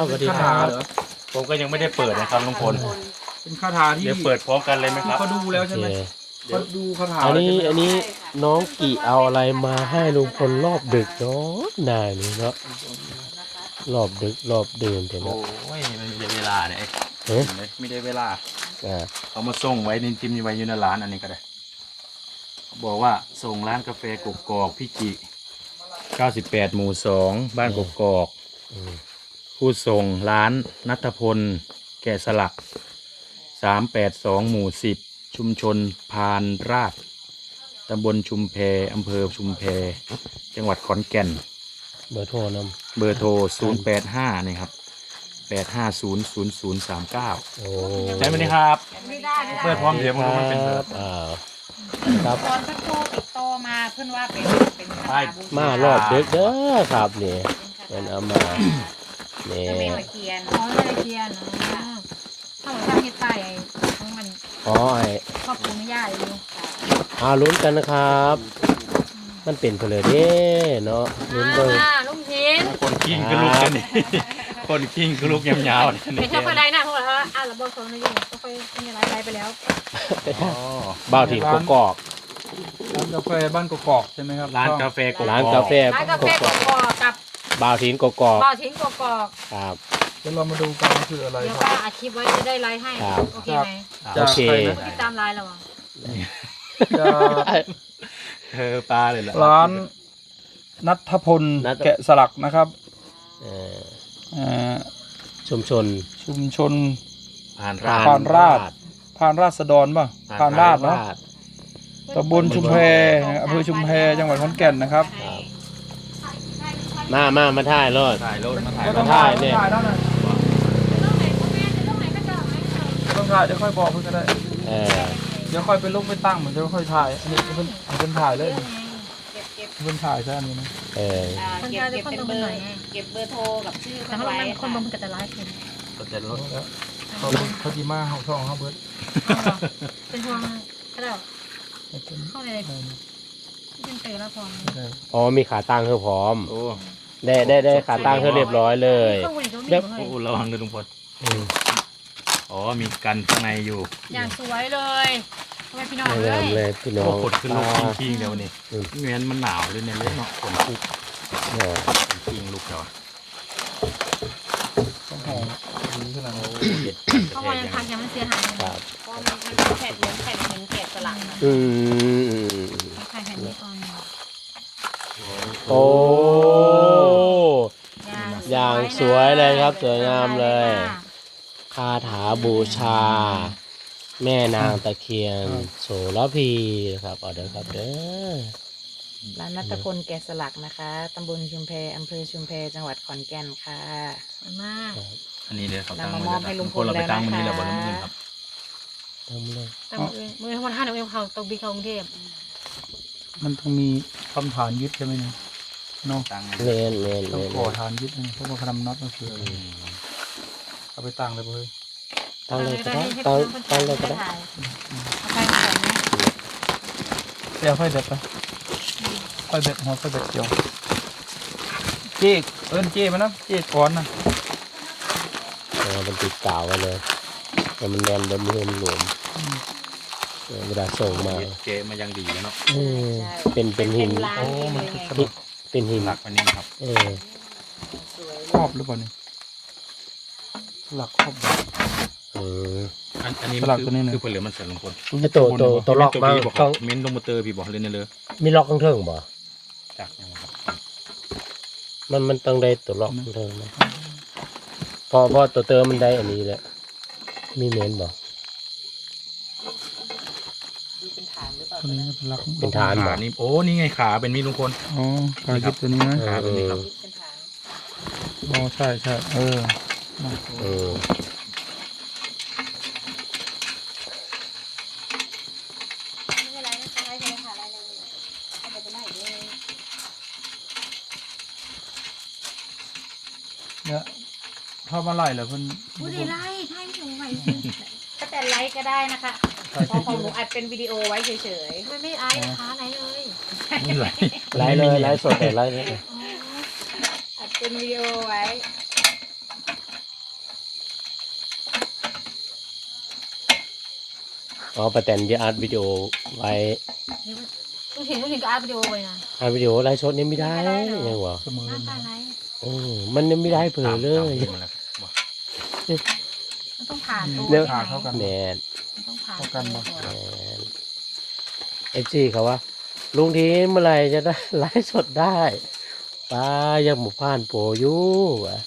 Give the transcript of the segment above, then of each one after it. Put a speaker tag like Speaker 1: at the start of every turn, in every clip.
Speaker 1: สวัสดีครับ
Speaker 2: ผมก็ยังไม่ได้เปิดนะครับลุงพล
Speaker 3: เป็นคาถาที่
Speaker 2: เดี๋ยวเปิดพร้อมกันเลยไหมครับ
Speaker 3: เขาดูแล้วใช่ไหม
Speaker 1: โอเค
Speaker 3: เขาดูคาถา
Speaker 1: อัน
Speaker 3: แล้ว
Speaker 1: นี้
Speaker 3: ใช่ไหม
Speaker 1: อันนี้น้องกี่เอาอะไรมาให้ลุงพลรอบดึกเนาะนายนี่เนาะรอบดึกรอบดื่นเดี๋ยว
Speaker 2: โอ้
Speaker 1: เนาะ
Speaker 2: ยมันไม่ได้เวลาเนี่ย
Speaker 1: เอ๊ะ
Speaker 2: ไม่ได้เวลา
Speaker 1: อ่า
Speaker 2: เขามาส่งไว้ในจิมไว้อยู่ในร้านอันนี้ก็ได้เขาบอกว่าส่งร้านกาแฟกกอกพี่จิ98 หมู่ 2 บ้านกกอก
Speaker 1: อืม
Speaker 2: ผู้ส่งร้านนัทพลแกะสลัก382 หมู่ 10 ชุมชนพานราชตำบลชุมแพอำเภอชุมแพจังหวัดขอนแก่น
Speaker 1: เบอร์โทรน
Speaker 2: เบอร์โทร 085 นี่ครับ 8500039
Speaker 1: ำโอ้
Speaker 2: ใช่ไหมนี่ครับ
Speaker 4: ไม่ได้
Speaker 2: เปิดพร้อมเดี๋ยวมันรู้มันเป็น
Speaker 1: ค
Speaker 2: แบ
Speaker 1: รั
Speaker 2: บบ
Speaker 1: ครับ
Speaker 4: ตอนพระโทรติดต่อมาเพื่อนว่าเป็นคาถาบูช
Speaker 1: มารอบดึกเด้อครับนี่เป็นเอามานี่
Speaker 4: เจ้าแม่ตะเคียนอ๋อแม่ตะเคียนถ้าเหมือนทำเฮ็ดไปของมัน
Speaker 1: อ๋อไอ้
Speaker 4: ครอบครัวไม่ยากเลย
Speaker 1: ลุ้นกันนะครับ มันเป็นเพลเด้เนาะลุ้นเบิ่ง
Speaker 4: ลุงหิน
Speaker 2: คนกิ้งก็ลุกกันนี่ คนกิ้งก็ลุกยาวๆ
Speaker 4: เป็
Speaker 2: นี่
Speaker 4: นเท่าคนใดนะพวกเราระบบของนายอยู่ก็ค่อยมีอะไรไปแล้ว
Speaker 2: อ๋อ
Speaker 1: บ่าวถิ่นกกอก
Speaker 3: ร้านกาแฟบ้านกกอกใช่ไหมครับ
Speaker 2: ร้านกาแฟกกอก
Speaker 1: ร้านกาแฟ
Speaker 4: ร้านกาแฟกกอกกับ
Speaker 1: บ่าวถิ่นกกอก
Speaker 4: บ่อทิ้งกกอก
Speaker 1: ครับ
Speaker 3: เดี๋ยวเรามาดูกันว่าคืออะไร
Speaker 4: เดี๋ยว
Speaker 3: ค
Speaker 4: ก็
Speaker 3: รับ
Speaker 4: อัดคลิปไว้จะได้ไลฟ์ให้
Speaker 1: ครับ
Speaker 4: โอเคไหม
Speaker 1: โอเค
Speaker 4: ติดตามไลน์เราอ่ะ
Speaker 3: จะ
Speaker 2: ปลาเลยเหรอ
Speaker 3: ร้านนัทพล
Speaker 1: นัท
Speaker 3: แกะสลักนะครับ
Speaker 1: เอ่อ
Speaker 3: เอ่อ
Speaker 1: ชุมชน
Speaker 3: ชุมชน
Speaker 2: ผ่าน
Speaker 3: ผ่
Speaker 2: ร้าน
Speaker 3: านราช พานราษฎรป่ะพานราชเนาะตำบลชุมแพอำเภอชุมแพจังหวัดขอนแก่นนะครับ
Speaker 1: มาถ่ายรถ
Speaker 2: ถ่ายรถมาถ่าย
Speaker 1: ก็ต้องถ่ายเนี่ย
Speaker 3: ถ่ายแล้วนะต้องถ่ายเดี๋ยวค่อยบอกเพื่อนก็ได้
Speaker 1: เออ
Speaker 3: เดี๋ยวค่อยไปลงไปตั้งเหมือนเดี๋ยวค่อยถ่ายอันนี้เพิ่นถ่ายเลย
Speaker 4: เก็บ
Speaker 3: เพิ่นถ่ายใช่อันนี้นะ
Speaker 1: เออ
Speaker 4: เก็บเป็นเบอร์เก็บเบอร์โทรกับชื่อ
Speaker 5: แต่ถ้ามันคนบางมันก็จะไลฟ์เป็น
Speaker 2: ก็จะรถ
Speaker 3: แล้วเขาจีมาเขาช่องเขาเบิร์ด
Speaker 5: เป็นห่วงก็ได้
Speaker 3: ไม่เป็น
Speaker 5: เข้าในเป็นเตะแล้วพอ
Speaker 3: ไม่ได้
Speaker 1: อ๋อมีขาตั้งเธอพร้อม
Speaker 2: โอ้
Speaker 1: ได้ขาตั้งเธอเรียบร้อยเลย
Speaker 5: เครื่องบุหรี่ก็มี
Speaker 2: โอ้ระวังเลยลุงพล
Speaker 1: อืม
Speaker 2: อ๋อมีกันข้างในอยู่
Speaker 5: อย่างสวยเลยทำไมพี่น้อง
Speaker 1: ไม่
Speaker 5: เล
Speaker 1: งาม
Speaker 5: ย
Speaker 1: เลยพี่น้อ
Speaker 2: โอ้
Speaker 1: ง
Speaker 2: ขดขึ้นลุก
Speaker 1: อ่า
Speaker 2: กิ้งๆเดี๋ยวนี้
Speaker 1: อืม
Speaker 2: เงี้ยมันหนาวเลยเนี่ยเลยเนาะขนคุก
Speaker 1: เออ
Speaker 2: กิ้งลุกเดี๋ยว
Speaker 3: ต้องหอมดีขนาดนั้น
Speaker 2: เด็ด
Speaker 5: เพราะว่ายังพักยังไม่เสียหายเลย
Speaker 1: ครับ
Speaker 4: ก็มันเป็นแผ่นเหมือนแผ่นหินเกล็ดสลัก
Speaker 1: อืม
Speaker 5: ใครแผ่นนี้ก่อน
Speaker 1: โอ้อย่างสวยเลยครับสวยงามเลย คาถาบูชา แม่นางตะเคียนโสระพีครับเอาเด้อครับเด้อ
Speaker 4: ร้านนัทพลแกะสลักนะคะตำบลชุมแพอำเภอชุมแพจังหวัดขอนแก่นค่ะ
Speaker 5: สวยมาก
Speaker 2: อันนี้เลยเขาตั้ง
Speaker 4: นำมามอบให้ลุงพล
Speaker 2: เราไปตั้งมันนี่แหละ
Speaker 4: แล้ว
Speaker 2: บ
Speaker 4: นะคะ
Speaker 2: นนี้ครับ
Speaker 1: ทำเลย
Speaker 5: แต่มือทั้งวันท่านเอาเขาตกบีเขากรุงเทพ
Speaker 3: มันต้องมีคำฐานยึดใช่ไหมเนี่ยเนาะ
Speaker 2: ตั้ง
Speaker 1: เล่นเล่น
Speaker 3: ต้อง
Speaker 1: เล่น
Speaker 3: ขอฐานยึดนะเพราะว่าเขาทำน็อตมันคือเอาไปตั้งเลยเพื่อน
Speaker 1: ตั้งเลยก็ได้ตั้งเลยก็ได้
Speaker 5: เอาไปก่อนนะ
Speaker 3: เดี๋ยวค่อยเด็ดไปค่อยเด็ดหัวค่อยเด็ดเดียวเจ๊เอิ้นเจ๊มานะเจ๊ก้อนนะ
Speaker 1: มันติดกาวไว้เลยแต่มันแน่นบนมือมันหลวมเวลาส่งมา
Speaker 2: เกะมายังดีแล้วเนาะ
Speaker 1: เป็นหิน
Speaker 4: ร้านนี้เลยไง
Speaker 1: เป็นหิน
Speaker 2: หลักมันนี่ครับ
Speaker 4: สวย
Speaker 3: ครอบหรือเปล่าเนี่ยสลักครอบแบบ
Speaker 2: อันนี้
Speaker 3: สลักตัวนี้นะ
Speaker 2: คือผลเหลือมันเสร็จลุงพล
Speaker 1: ไอ้ตัวล็อกมา
Speaker 2: บอก
Speaker 1: ต้อง
Speaker 2: เม้นลงมาเตอร์พี่บอกเลยเนี่ยเลย
Speaker 1: มีล็อกข้างเทิงบ่
Speaker 2: จักยังครับ
Speaker 1: มันต้องได้ตัวล็อกข้างเทิงนะพอตัวเติมมันได้อันนี้แหละมีเมนบ่
Speaker 4: ดูเป็นฐานหรือเปล่า
Speaker 3: ตัวนี้เป็นลัก
Speaker 1: เป็นฐาน
Speaker 2: ขานี่โอ้นี่ไงขาเป็นมีดลุงพล
Speaker 3: อ๋อการยึดตัวนี้นะ
Speaker 2: ขาเป็นนี่ครับ
Speaker 4: เป็นฐาน
Speaker 3: อ๋อใช่ใช่เออ
Speaker 1: เออ
Speaker 4: ไม่เป็นไรนะคะไล่เลยค่ะไล่เลยเอาไปไล่เลย
Speaker 3: เนี่ยถ้ามาไล่เหรอเพิ่น
Speaker 5: ผู้ดีไล่ไทยไม่ถูกไหว
Speaker 4: ก็แต่ไลค์ก็ได้นะคะเพอของหนูอัดเป็นวิดีโอไว้เฉย
Speaker 5: ไม่ไม่ไอ้นะคะไหนเลย
Speaker 2: นี่ไหล
Speaker 1: ไล่เลยไล่สดเลยไล่เลย
Speaker 4: ๆอัดเป็นวิดีโอไว้
Speaker 1: อ๋อป้าแตนจะอัดวิดีโอไว้
Speaker 5: ลุงเห็นก็อัดวิดีโอไว้นะ
Speaker 1: อัดวิดีโอไลฟ์สดนี่ไม่ได้ยังวะ
Speaker 3: เสมอ
Speaker 5: หน้าตาไร
Speaker 1: มันยังไม่ได้เผลอเลย
Speaker 5: มันต้องผ่านตัว
Speaker 1: เดี๋ยว
Speaker 3: ขาดเท่ากัน
Speaker 1: แมน
Speaker 5: มันต้องผ่าน
Speaker 3: เท่ากันบ่
Speaker 1: แมนเอฟซีเขาว่าลุงทีเมื่อไหร่จะได้ไลฟ์สดได้ป้ายังหมู่ผ่านโปรอยู่วะ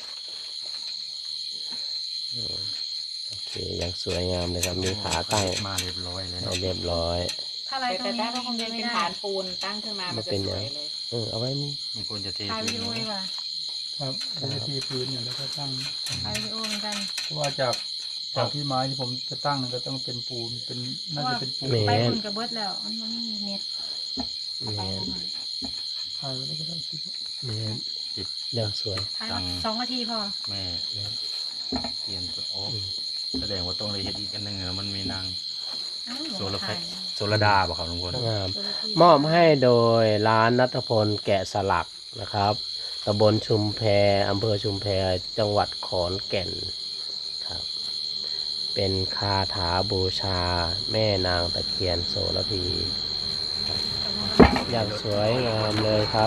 Speaker 1: โอเคยังสวยงามเลยครับมีขาตั้ง
Speaker 2: มาเรียบร้อยเลย
Speaker 1: ให้เรียบร้อย
Speaker 5: ถ้าอะไรตร
Speaker 4: แต่
Speaker 5: ง
Speaker 4: ถ้า
Speaker 5: นี้
Speaker 4: เราคง
Speaker 5: ไม่
Speaker 4: จะเป็น
Speaker 5: ได้
Speaker 4: ฐานปูนตั้งขึ้นมามันจะสวยเลย
Speaker 1: เอาไว้นี่
Speaker 2: ลุงพลจะเท
Speaker 5: ถ่ายวิดีโอดีกว่า
Speaker 3: ครับจะได้ที่พื้นอยู่แล้วก็ตั้ง
Speaker 5: ถ่ายวิดีโอเหมือนกัน
Speaker 3: เพราะว่าจากที่ไม้ที่ผมจะตั้งก็ต้องเป็นปูนเป็นน่าจะเป็นปูน
Speaker 5: ไปคุณกับเบิร์ดแล้วมันไม่มีเน็ต
Speaker 1: แมน
Speaker 3: ถ่ายไว้แล้วก็ได้คิดว่า
Speaker 1: แมนยังสวย
Speaker 5: ถ่าย2 นาทีพอ
Speaker 2: แม่เตรียมตัวโอ้แสดงว่าต้องเลยเฮ็ดอีกอันหนึงมันมีนาง โซลาร์แพ็ค โซลดาบ่ครับลุงพล
Speaker 1: งามมอบให้โดยร้านณัฐพลแกะสลักนะครับตำบลชุมแพอำเภอชุมแพจังหวัดขอนแก่นครับ เป็นคาถาบูชาแม่นางตะเคียนโสระพีครับอย่างสวยงามเลยครับ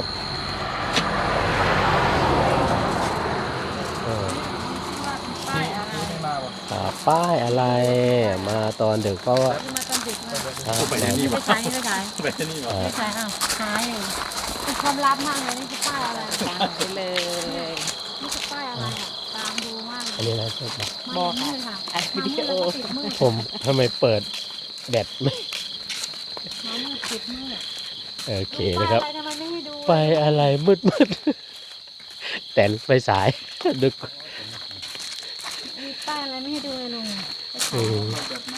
Speaker 1: เออ
Speaker 5: ป้ายอะไร
Speaker 3: ไม่มาว่ะ
Speaker 1: ป้ายอะไรมาตอนดึกเพราะว่า
Speaker 5: มาตอนดึกมา
Speaker 1: ครับ
Speaker 5: ไม่ใช่ไม่ใช่
Speaker 2: ไปนี่บ่
Speaker 5: ไม่ใช่อ้าวหายอยู่เป็นความลับมากเลยนี่คือป้ายอะไร
Speaker 4: ตามไปเลย
Speaker 5: นี่คือป้ายอะไรอ่ะตามดูมากเล
Speaker 1: อัน
Speaker 5: ย
Speaker 1: นี้นะครั
Speaker 5: บอกค่ะ
Speaker 4: อัดวิดีโอ
Speaker 5: ติดมืด
Speaker 1: ผมทำไมเปิดแบตไม่
Speaker 5: น้ำมืดติดมืด
Speaker 1: โอเคนะครับ
Speaker 5: ป้ายอะไรทำไมไม่ให้ดู
Speaker 1: ไฟอะไรมืดแต่ไฟสาย ดึก
Speaker 5: มีป้ายอะไรไม่ให้ดูเลยลุง
Speaker 1: อืม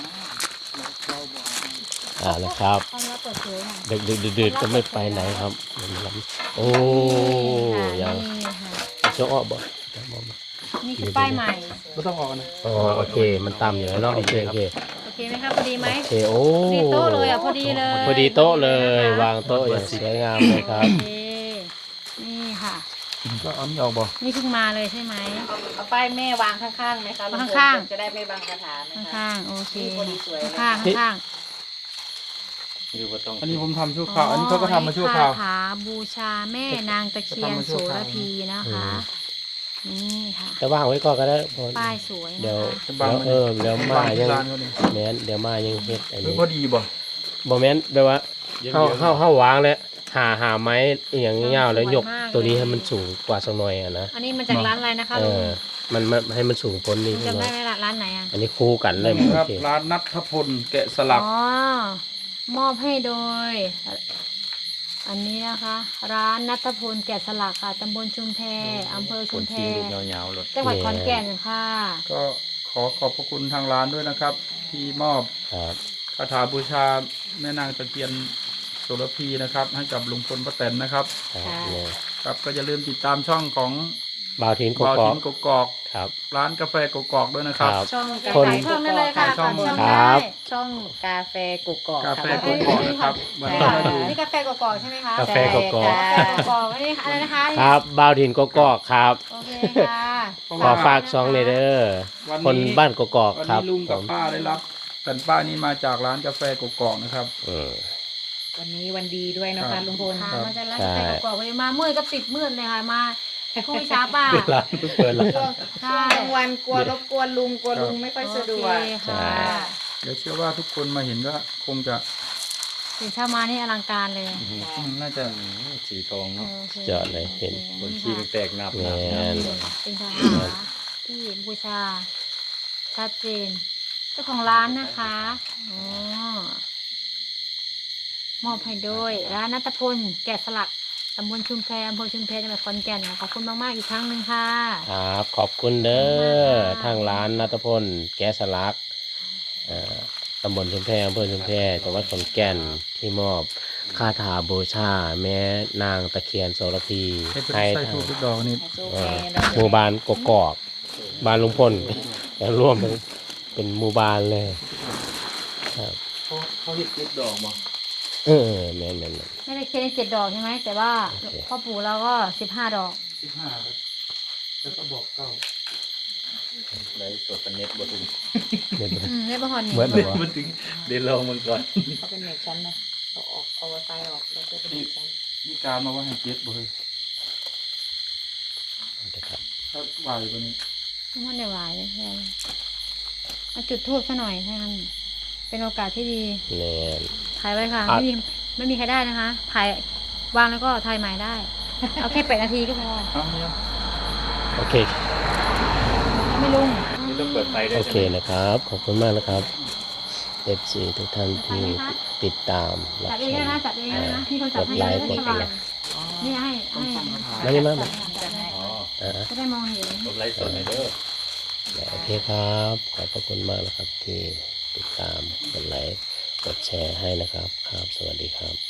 Speaker 1: นะครับ
Speaker 5: ความลับเปิดเผยค่ะ
Speaker 1: ดึกก็ไม่ไปไหนครับโอ้ยัง
Speaker 5: นี่ค่ะ
Speaker 1: จะอ้อบ่
Speaker 5: นี่คือป้ายใหม่
Speaker 3: ไม่ต้องออกนะ
Speaker 1: อ๋อโอเค มันต่ำอยู่แล้วเนาะโอเคโอเค
Speaker 5: โอเคไหมครับพอดีไหม
Speaker 1: โอเคโอ้
Speaker 5: พอดีโต๊ะเลยอ่ะพอดีเลย
Speaker 1: พอดีโต๊ะเลย วางโต๊ะอย่างสวยงามเลยครับ
Speaker 5: โอเคนี่ค่ะ
Speaker 3: ก็เอานี่ออกบ่
Speaker 5: นี่เพิ่งมาเลยใช่ไหม
Speaker 4: เอาป้ายแม่วางข้างๆไหมคะลุพล
Speaker 5: ข้างๆ
Speaker 4: จะได้ไม่บังคาถาไหมคะ
Speaker 5: ข้างๆโอเค
Speaker 4: นี่พอดีสวยเลย
Speaker 5: ข้างๆข้าง
Speaker 2: อยู่บ่ต้อง
Speaker 3: อันนี้ผมทำชั่ว
Speaker 5: ๆ
Speaker 3: คราวอันนี้เขาก็ทำมาชั่วคราว
Speaker 5: คาถาบูชาแม่นางตะเคียนโสระพีนะคะนี่ค่ะ
Speaker 1: จะว่างไว้ก่อนก็ได้พอ
Speaker 5: ป้ายสวย
Speaker 1: เดี๋ยว
Speaker 5: นะคะ
Speaker 3: จะบังไหม
Speaker 1: เดี๋ยวมายัง
Speaker 3: ร้านเขาเนี่ย
Speaker 1: แม้นเดี๋ยวมายังเฮ็ดอันนี้
Speaker 3: พอดีบ่
Speaker 1: บ่แม่นแปลว่าเฮาวางแล้วหาไม้อหย่างเงี้ยาวแล้วยกตัวนี้ให้มันสูงกว่าสักหน่อยอ่ะนะ
Speaker 5: อันนี้มาจากร้านอะไรนะคะ
Speaker 1: เอ
Speaker 5: ลุง
Speaker 1: อมันให้มันสูงพ้นนี้
Speaker 5: ลุง
Speaker 1: สัก
Speaker 5: จำ
Speaker 1: หน่
Speaker 5: ได้
Speaker 1: อย
Speaker 5: ไหมล่ะร้านไหนอ่ะ
Speaker 1: อันนี้คู่กันเลย
Speaker 3: ค
Speaker 1: โอ
Speaker 3: รับ
Speaker 1: เค
Speaker 3: ร้านนัทพลแกะสลัก
Speaker 5: อ๋อมอบให้โดย อันนี้นะคะ ร้านนัทพลแกะสลักค่ะตำบลชุมแพอำเภอ
Speaker 2: ค
Speaker 5: ชุ
Speaker 2: น
Speaker 5: มแพ
Speaker 2: ทิ้งรูปยาวๆรถ
Speaker 5: จังหวัดขอนแก่นค่ะ
Speaker 3: ก็ขอบพระคุณทางร้านด้วยนะครับ ที่มอบ
Speaker 1: ครับ
Speaker 3: คาถาบูชาแม่นางตะเคียนโสระพีนะครับ ให้กับลุงพลป้าแตนนะครับ
Speaker 1: ครับ
Speaker 5: ค่ะ
Speaker 1: เนี่ย
Speaker 3: ครับก็อย่าลืมติดตามช่องของ
Speaker 1: บ่าวทินก
Speaker 3: บ่าว
Speaker 1: กอ
Speaker 3: ถิ
Speaker 1: ก
Speaker 3: นกกอก
Speaker 1: ครับ
Speaker 3: ร้านกาแฟกกอกด้วยนะครับ
Speaker 1: ครับ
Speaker 5: ช่อง
Speaker 1: คน
Speaker 5: ขายช่องได้เลยค่ะ
Speaker 3: ขายช่อง
Speaker 5: ฝากช่อง
Speaker 1: ครั
Speaker 5: ได้
Speaker 1: บ
Speaker 4: ช่องกาแฟกุกกอก
Speaker 3: กาแฟ
Speaker 4: ค่ะ
Speaker 3: กกอกนะครับวันนี้มาดู
Speaker 5: นี่กาแฟกอกๆใช่ไหมคะ
Speaker 1: กาแฟกกอก
Speaker 5: กาแฟกอกๆอันนี้อะไรนะคะ
Speaker 1: ครับบ่าวทินกกอกครับ
Speaker 5: โอเคค่ะ
Speaker 1: ขอฝากช่องเลยเด้อ
Speaker 3: วัน
Speaker 1: คน
Speaker 3: นี้
Speaker 1: บ้านกกอก
Speaker 3: วัน
Speaker 1: ครับ
Speaker 3: นี้ลุงกับป้าได้รับแผ่นป้ายนี้มาจากร้านกาแฟกกอกนะครับ
Speaker 1: อืม
Speaker 4: วันนี้วันดีด้วยนะ
Speaker 3: ครั
Speaker 4: คะ
Speaker 3: บ
Speaker 4: ลุงพล
Speaker 5: ค่ะ
Speaker 3: ครับ
Speaker 5: มาจากร้าน
Speaker 1: ใช่
Speaker 5: กาแฟกอกๆไปมามืดก็ติดมืดเลยค่ะมาคุยช้าป้า
Speaker 1: ร้านเพิ่งเปิดแล้ว
Speaker 4: ช่วงกลางวันกลัวรบกวนลุงกลัวลุงไม่ค่อยสะดวก
Speaker 5: โอเคค่ะ
Speaker 3: เดี๋ยวเชื่อว่าทุกคนมาเห็นก็คงจะ
Speaker 5: ตื่นเช้ามานี่อลังการเลย
Speaker 3: น่าจะ
Speaker 2: สีทองเนาะ
Speaker 5: โอค
Speaker 1: เจาะเลยเห็น
Speaker 2: บนที่มันแตกนับ
Speaker 1: แม่น
Speaker 5: เป็นคาถาที่บูชาชัดเจนเจ้าของร้านนะคะอ๋อมอบให้โดยร้านนัทพลแกะสลักตำบลชุมแพอำเภอชุมแพจังหวัดขอนแก่นค่ะขอบคุณมากๆอีกครั้งหนึ่งค่ะ
Speaker 1: ครับขอบคุณเด้อ
Speaker 5: ขอบคุณมากค่ะ
Speaker 1: ทางร้านนัทพลแก๊สสลักตำบลชุมแพอำเภอชุมแพจังหวัดขอนแก่นที่มอบคาถาบูชาแม่นางตะเคียนโสระพี
Speaker 3: ให้เป็น
Speaker 1: ให้
Speaker 3: ไส้
Speaker 1: ทาง
Speaker 3: ทูบทุกดอกนี่
Speaker 4: โอ
Speaker 1: เอ่
Speaker 4: เค
Speaker 1: อ
Speaker 4: เรา
Speaker 1: หมู่บ้านกกอกบ้านลุงพล แล้วร่วมเป็นหมู่บ้านเลยครับ
Speaker 3: เขาเห็ดเจ็ดดอกมา
Speaker 1: เออแม่น
Speaker 5: ไม่ได้เค้ก7 ดอกใช่ไหมแต่ว่า
Speaker 1: โอเค
Speaker 5: พ่อปู่เราก็15 ดอก
Speaker 3: 15แล้วก็บอกเก้า
Speaker 2: ได้สดเน็ตบ่ถึง
Speaker 1: เดี๋ยว
Speaker 5: ได้ประหอนนี่
Speaker 1: เหมือนเหรอ
Speaker 2: บ่ถึงเดี๋ยวลองมันก่อน
Speaker 4: เขาเป็นเน็ตชั้นนะเอาไวไฟออกแล้วก็เป็นเน็ตชั้น
Speaker 3: มีการมาว่าให้เจ็ดบ่เฮ้ย
Speaker 1: นะครับ
Speaker 3: ถ้าไหวกว่านี้
Speaker 5: มันเดี๋ยววายเลยแค่มาจุดทูบซะหน่อยถ้างั้นเป็นโอกาสที่ดี
Speaker 1: แน่น
Speaker 5: ถ่ายไว้ค่ะ
Speaker 1: อ่ะ
Speaker 5: ไม่มีใครได้นะคะถ่ายวางแล้วก็ถ่ายใหม่ได้ เอาแค่8 นาทีก็พอ
Speaker 3: เอาเนี่ย
Speaker 1: โอเค
Speaker 5: ไม่ลุง
Speaker 2: นี่ต้องเปิดไฟด้วย
Speaker 1: โอเคนะครับ ขอบคุณมากนะครับ FC ทุกท่านที่ติดตามรับ
Speaker 5: จับเอ
Speaker 1: ช
Speaker 5: งได้
Speaker 1: ม
Speaker 5: นะจับเองได้นะพี่คนจับให้
Speaker 1: กดไลค์
Speaker 5: จะได้
Speaker 1: กด
Speaker 5: สว่าง
Speaker 1: ไลค์
Speaker 5: นี่ให้
Speaker 1: มานี่มา
Speaker 4: จัดให้
Speaker 2: อ๋อ
Speaker 5: จะได้มองเห็น
Speaker 2: กดไลค์สดหน่อยเด้อ
Speaker 1: โอเคครับ ขอบพระคุณมากนะครับที่ติดตามกดไลค์กดแชร์ให้นะครับ ครับ สวัสดีครับ